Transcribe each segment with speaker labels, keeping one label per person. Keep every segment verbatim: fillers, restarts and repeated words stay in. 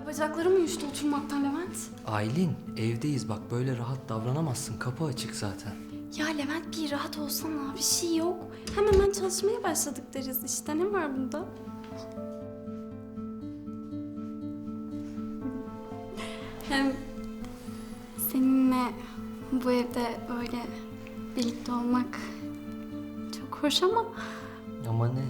Speaker 1: Ay bacaklarım uyuştu oturmaktan Levent.
Speaker 2: Aylin, evdeyiz bak, böyle rahat davranamazsın. Kapı açık zaten.
Speaker 1: Ya Levent bir rahat olsana, bir şey yok. Hem hemen çalışmaya başladık deriz işte, ne var bunda? Hem seninle bu evde böyle birlikte olmak çok hoş ama
Speaker 2: Ama ne?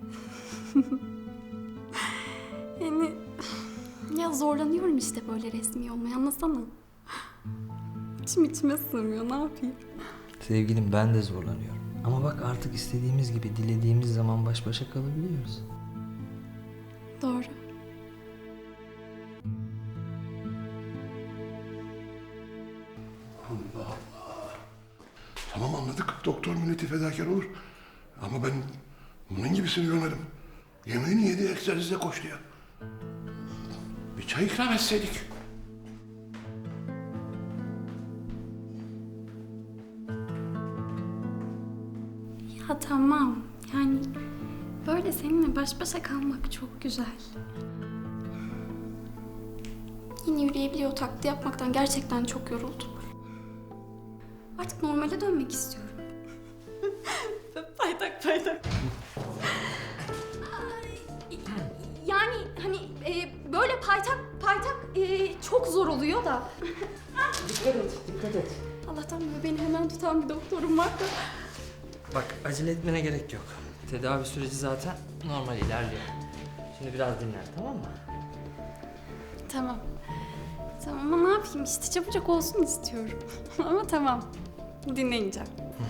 Speaker 1: yani ya zorlanıyorum işte böyle resmi olmaya, anlasana. İçim içime sığmıyor, ne yapayım?
Speaker 2: Sevgilim, ben de zorlanıyorum. Ama bak, artık istediğimiz gibi, dilediğimiz zaman baş başa kalabiliyoruz.
Speaker 1: Doğru.
Speaker 3: Allah Allah. Tamam anladık. Doktor milleti fedakar olur. Ama ben bunun gibisini görmedim. Yemeğini yedi, egzersize koştu ya. Bir çay ikram etseydik.
Speaker 1: Ya tamam, yani böyle seninle baş başa kalmak çok güzel. Yine yürüyebiliyor taklidi yapmaktan gerçekten çok yoruldum. Artık normale dönmek istiyorum. paytak paytak. Yani hani e, böyle paytak paytak e, çok zor oluyor da.
Speaker 2: Dikkat et, dikkat et.
Speaker 1: Allah'tan böyle beni hemen tutan bir doktorum var da.
Speaker 2: Bak, acele etmene gerek yok. Tedavi süreci zaten normal ilerliyor. Şimdi biraz dinlen, tamam mı?
Speaker 1: Tamam. Tamam ama ne yapayım işte, çabucak olsun istiyorum. Ama tamam. Dinleyeceğim.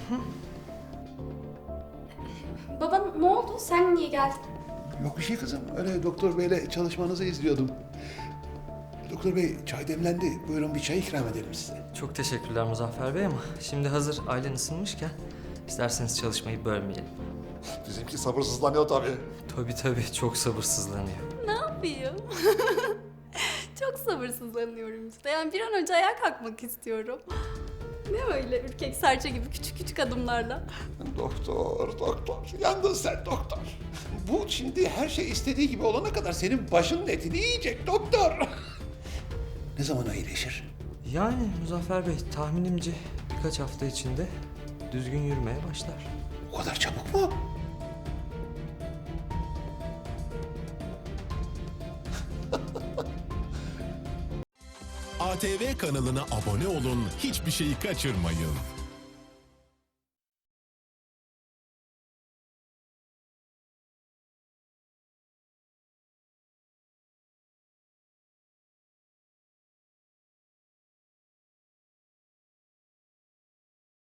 Speaker 1: Baba ne oldu? Sen niye geldin?
Speaker 3: Yok bir şey kızım. Öyle doktor beyle çalışmanızı izliyordum. Doktor bey, çay demlendi. Buyurun bir çay ikram edelim size.
Speaker 2: Çok teşekkürler Muzaffer Bey, ama şimdi hazır Aylin ısınmışken isterseniz çalışmayı bölmeyelim.
Speaker 3: Bizimki sabırsızlanıyor tabii.
Speaker 2: Tabii tabii, çok sabırsızlanıyor.
Speaker 1: Ne yapayım? Çok sabırsızlanıyorum işte. Yani bir an önce ayağa kalkmak istiyorum. Ne öyle ürkek serçe gibi küçük küçük adımlarla.
Speaker 3: Doktor, doktor. Yandın sen doktor. Bu şimdi her şey istediği gibi olana kadar senin başının etini yiyecek doktor. Ne zaman iyileşir?
Speaker 2: Yani Muzaffer Bey, tahminimce birkaç hafta içinde düzgün yürümeye başlar.
Speaker 3: O kadar çabuk mu?
Speaker 4: A T V kanalına abone olun, hiçbir şeyi kaçırmayın.